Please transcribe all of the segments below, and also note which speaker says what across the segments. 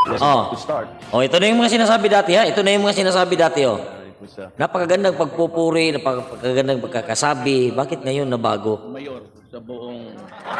Speaker 1: was about to start.
Speaker 2: Oh, ito na yung mga sinasabi dati, ha? Ito na yung mga sinasabi dati, oh. Napakagandang pagpupuri, napakagandang pagkakasabi. Bakit ngayon nabago?
Speaker 3: Mayor sa buong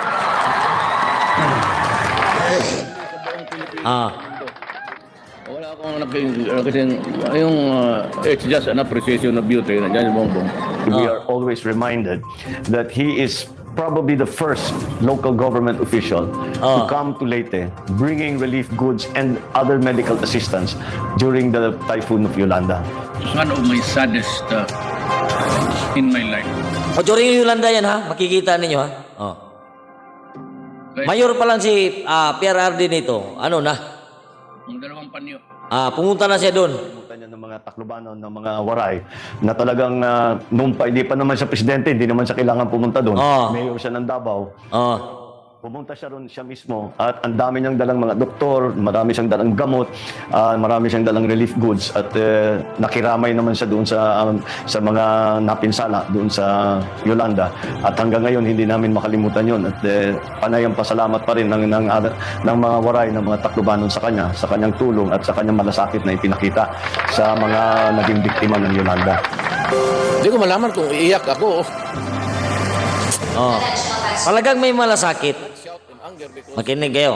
Speaker 3: wala akong nakasing yung it's just an appreciation of beauty na dyan Bongbong.
Speaker 1: We are always reminded that he is probably the first local government official to come to Leyte bringing relief goods and other medical assistance during the typhoon of Yolanda.
Speaker 3: One of my saddest in my life.
Speaker 2: O, during yung Yolanda yan, ha? Makikita ninyo, ha? Oh. Mayor pa lang si PRRD nito. Ano na?
Speaker 3: Ang dalawang panyo.
Speaker 2: Pumunta na siya doon.
Speaker 1: Pumunta niya ng mga Taclobanon, ng mga Waray, na talagang hindi pa naman siya presidente, hindi naman siya kailangan pumunta doon. Mayor siya ng Davao. Pumunta siya ron siya mismo at ang dami niyang dalang mga doktor, marami siyang dalang gamot, marami siyang dalang relief goods at nakiramay naman siya doon sa mga napinsala doon sa Yolanda. At hanggang ngayon hindi namin makalimutan yon at panayang pasalamat pa rin ng mga Waray, ng mga Taclobanon sa kanya, sa kanyang tulong at sa kanyang malasakit na ipinakita sa mga naging biktima ng Yolanda.
Speaker 3: Hindi ko malaman kung iiyak ako.
Speaker 2: Talagang may malasakit. Makinig kayo.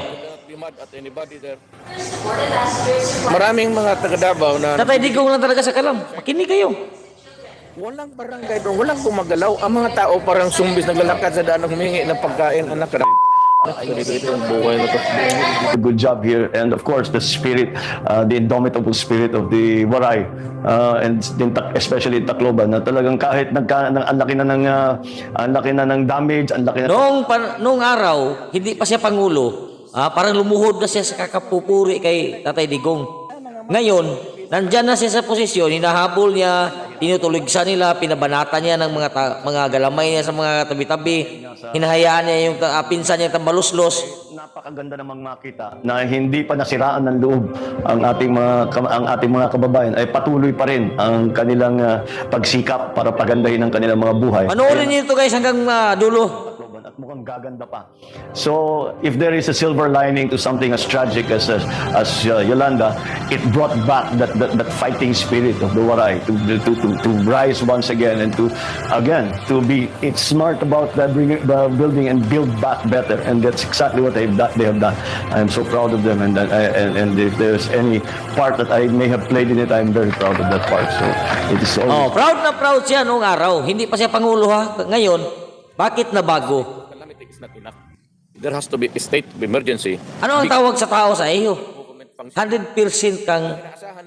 Speaker 3: Maraming mga taga-Davao na
Speaker 2: Tatay Digong lang talaga sa kalam. Makinig kayo.
Speaker 3: walang barangay doon, walang gumagalaw. Ang mga tao parang zumbis naglalakad sa daan humingi ng pagkain. Anak ka ito yung buhay na to.
Speaker 1: A good job here, and of course the spirit, the indomitable spirit of the Waray, and especially in Tacloban, na talagang kahit ang laki na ng damage, ang laki na
Speaker 2: Noong araw, hindi pa siya Pangulo. Parang lumuhod na siya sa kakapupuri kay Tatay Digong. Ngayon, nandyan na siya sa posisyon, hinahabol niya, tinutuligsa nila, pinabanata niya ng mga galamay niya sa mga tabi-tabi, hinahayaan niya yung pinsan niya tambaluslos.
Speaker 1: Napakaganda namang makita na hindi pa nasiraan ng loob ang ating mga kababayan, ay patuloy pa rin ang kanilang pagsikap para pagandahin ang kanilang mga buhay.
Speaker 2: Panoorin niyo ito guys hanggang dulo.
Speaker 1: At mukhang gaganda pa. So, if there is a silver lining to something as tragic as Yolanda, it brought back that fighting spirit of the Waray to rise once again and to be smart about building and build back better, and that's exactly what they have done. I am so proud of them, and if there's any part that I may have played in it, I am very proud of that part. So, it is always...
Speaker 2: Proud na proud siya noong araw. Hindi pa siya Pangulo, ha. Ngayon, bakit na bago?
Speaker 3: There has to be a state of emergency.
Speaker 2: Ano ang tawag sa tao sa iyo? 100% kang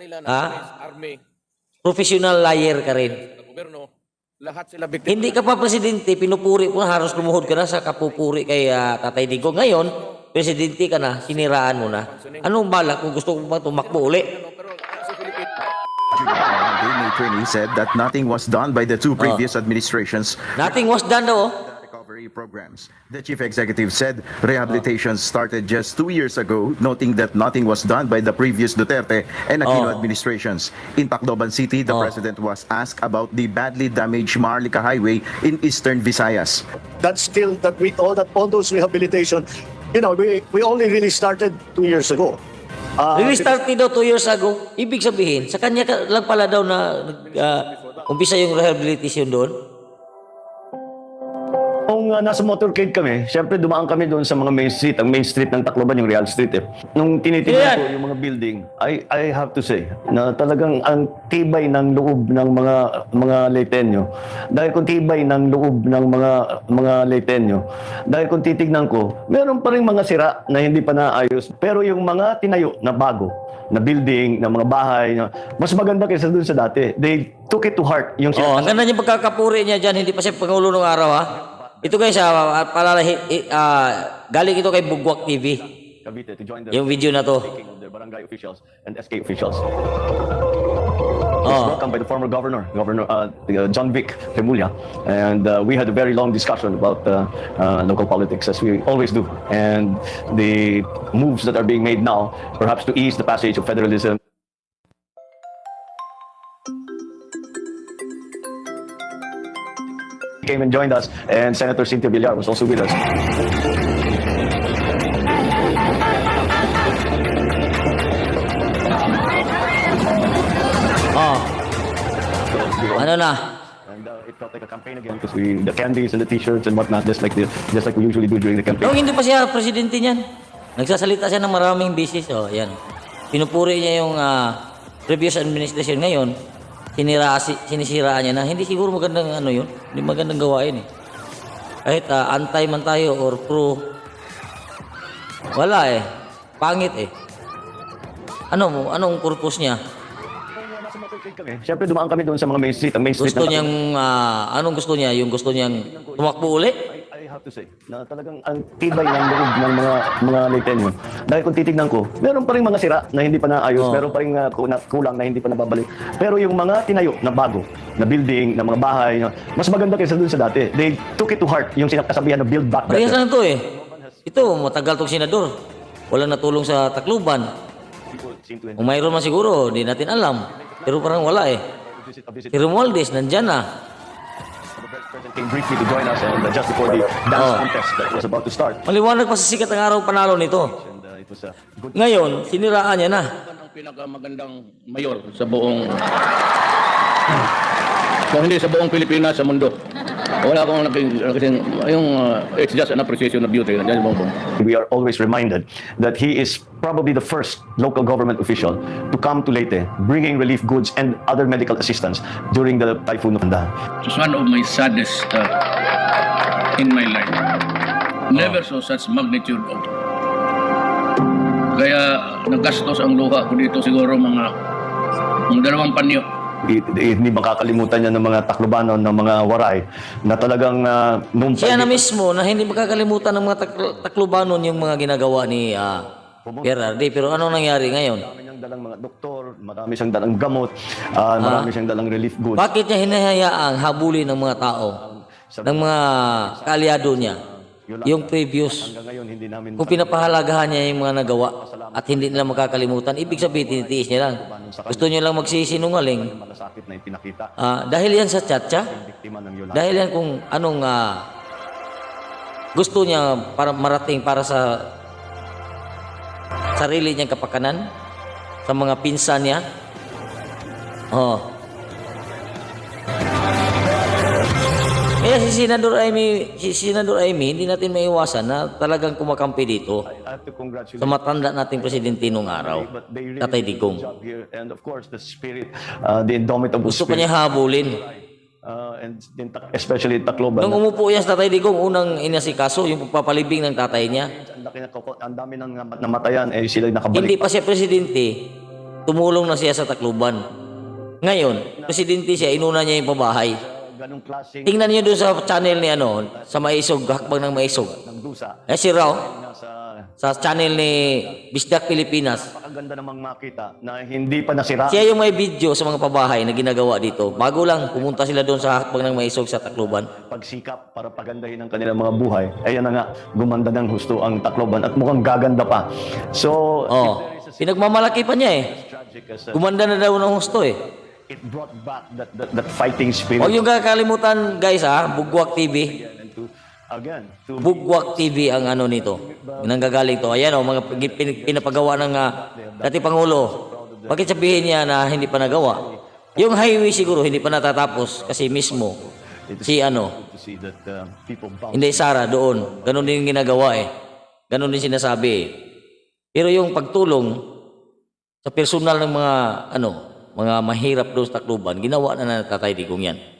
Speaker 2: professional liar ka rin.
Speaker 3: Lahat sila biktima.
Speaker 2: Hindi ka pa presidente, pinupuri mo na, halos lumuhod ka na sa kapupuri kay Tatay Digong. Ngayon, presidente ka na, siniraan mo na. Anong balak kung gusto mo tumakbo uli?
Speaker 4: The attorney said that nothing was done by the two previous administrations.
Speaker 2: Nothing was done daw.
Speaker 4: Recovery programs. The chief executive said rehabilitation started just 2 years ago, noting that nothing was done by the previous Duterte and Aquino administrations. In Tacloban City, the president was asked about the badly damaged Maharlika Highway in eastern Visayas.
Speaker 5: That's still that all those rehabilitation, we only really started 2 years ago.
Speaker 2: Restarted daw 2 years ago. Ibig sabihin, sa kanya lang pala daw na umpisa yung rehabilitation doon.
Speaker 1: Nung nasa motorcade kami, syempre dumaan kami doon sa mga main street. Ang main street ng Tacloban, yung Real Street. Nung tinitingnan ko yung mga building, I have to say na talagang ang tibay ng loob ng mga Leyteño. Dahil kung tibay ng loob ng mga Leyteño, dahil kung titignan ko, meron pa rin mga sira na hindi pa naayos. Pero yung mga tinayo na bago, na building, na mga bahay, mas maganda kaysa doon sa dati. They took it to heart. Yung
Speaker 2: Ang ganda niya pagkakapuri niya dyan, hindi pa siya Pangulo ng araw, ha? Ito guys, galing ito kay Bugwak TV.
Speaker 1: Cavite to join the
Speaker 2: Yung video na to.
Speaker 1: of the barangay officials and SK officials. Was welcomed by the former Governor John Vic Remulla, and we had a very long discussion about local politics, as we always do, and the moves that are being made now, perhaps to ease the passage of federalism. Came and joined us, and Senator Cynthia Villar was also with us.
Speaker 2: Wala na.
Speaker 1: And it felt like a campaign again because the candies and the t-shirts and whatnot, just like we usually do during the campaign.
Speaker 2: Nung hindi pa siya presidente niyan, nagsasalita siya ng maraming bisis. O, yan. Pinupuri niya yung previous administration ngayon. Sinisiraan niya na. Hindi siguro magandang ano yun. Hindi magandang gawain eh. Kahit anti man tayo or pro. Wala eh. Pangit eh. Anong purpose niya?
Speaker 1: Siyempre dumaan kami doon sa mga main street. Ang main street
Speaker 2: Gusto niyang, anong gusto niya? Yung gusto niyang tumakbo uli?
Speaker 1: I have to say, na talagang ang tibay ng loob ng mga Leyteño. Dahil kung titignan ko, meron pa rin mga sira na hindi pa naayos, meron pa rin kulang na hindi pa nababalik. Pero yung mga tinayo na bago, na building, na mga bahay, mas maganda kaysa doon sa dati. They took it to heart, yung sinasabihan na build back
Speaker 2: Parehas
Speaker 1: better.
Speaker 2: na to eh. Ito, matagal tong senador. Walang natulong sa Tacloban. Kung mayroon man siguro, hindi natin alam. Pero parang wala eh. Si Romualdez, nandyan na.
Speaker 1: The president came briefly to join us and just before the dance contest that was about to start.
Speaker 2: Maliwanag pa sa sikat ang araw panalo nito.
Speaker 1: And it was a good
Speaker 2: Ngayon, siniraan niya na.
Speaker 3: Ang pinakamagandang mayor sa buong kung hindi sa buong Pilipinas, sa mundo. Wala akong nakasing it's just an appreciation of beauty. Nandiyan yung bongbong.
Speaker 1: We are always reminded that he is probably the first local government official to come to Leyte, bringing relief goods and other medical assistance during the typhoon of Anda.
Speaker 6: It was one of my saddest in my life. Never saw such magnitude of. Kaya nagastos ang luha ko dito siguro mga 2 panyo.
Speaker 1: Hindi makakalimutan niya ng mga Taclobanon, ng mga Waray, na talagang nung
Speaker 2: Siya na mismo na hindi makakalimutan ng mga Taclobanon yung mga ginagawa ni Gerardi. Pero anong nangyari ngayon?
Speaker 1: marami siyang dalang mga doktor, marami siyang dalang gamot, marami siyang dalang relief goods.
Speaker 2: Bakit niya hinahayaang habulin ng mga tao, ng mga kaalyado niya, yung previous?
Speaker 1: Hanggang ngayon hindi namin
Speaker 2: Kung pinapahalagahan niya yung mga nagawa at hindi nila makakalimutan, ibig sabihin tinitiis niya lang. Gusto niya lang magsisinungaling.
Speaker 1: malasakit na ipinakita
Speaker 2: Dahil yan sa tiyatsa,
Speaker 1: ng biktima ng Yolanda.
Speaker 2: dahil yan kung anong gusto niya para marating para sa sarili niyang kapakanan, sa mga pinsan niya. Kaya si Senador Amy, hindi natin maiwasan na talagang kumakampi dito
Speaker 1: I have to congratulate
Speaker 2: sa matanda nating presidente nung araw,
Speaker 1: but they really
Speaker 2: Tatay
Speaker 1: did a good
Speaker 2: Digong.
Speaker 1: job here. And of course the spirit, the indomitable
Speaker 2: Gusto pa
Speaker 1: spirit,
Speaker 2: niya habulin.
Speaker 1: and especially Tacloban.
Speaker 2: Nung umupo yan sa Tatay Digong, unang inasikaso yung pagpapalibing ng tatay niya.
Speaker 1: Ang dami ng namatayan, sila nakabalik.
Speaker 2: Hindi pa siya presidente, tumulong na siya sa Tacloban. Ngayon, presidente siya, inuna niya yung pabahay.
Speaker 1: Ganong klaseng
Speaker 2: Tingnan niyo doon sa channel ni sa Maisog, Hakbang ng Maisog.
Speaker 1: ng dusa.
Speaker 2: Si Raw,
Speaker 1: Nasa
Speaker 2: sa channel ni Bisdak Pilipinas.
Speaker 1: napakaganda namang makita na hindi pa nasira.
Speaker 2: Siya yung may video sa mga pabahay na ginagawa dito. Bago lang, pumunta sila doon sa Hakbang ng Maisog sa Tacloban.
Speaker 1: Pagsikap para pagandahin ang kanilang mga buhay. Ayan na nga, gumanda ng husto ang Tacloban at mukhang gaganda pa. So,
Speaker 2: Pinagmamalaki pa niya eh.
Speaker 1: tragic as
Speaker 2: Gumanda na daw ng husto eh.
Speaker 1: it brought back that fighting spirit.
Speaker 2: Huwag yung kakalimutan guys Bugwak TV.
Speaker 1: And to
Speaker 2: Bugwak TV ang nito. Nanggagaling to. Ayan mga pinapagawa ng dating Pangulo. Bakit sabihin niya na hindi pa nagawa? Yung highway siguro hindi pa natatapos kasi mismo si
Speaker 1: to see that people bounce.
Speaker 2: hindi Sara doon. Ganon din ginagawa eh. Ganon din sinasabi eh. Pero yung pagtulong sa personal ng mga mga mahirap doon sa Tacloban, ginawa na ng Tatay Digong yan.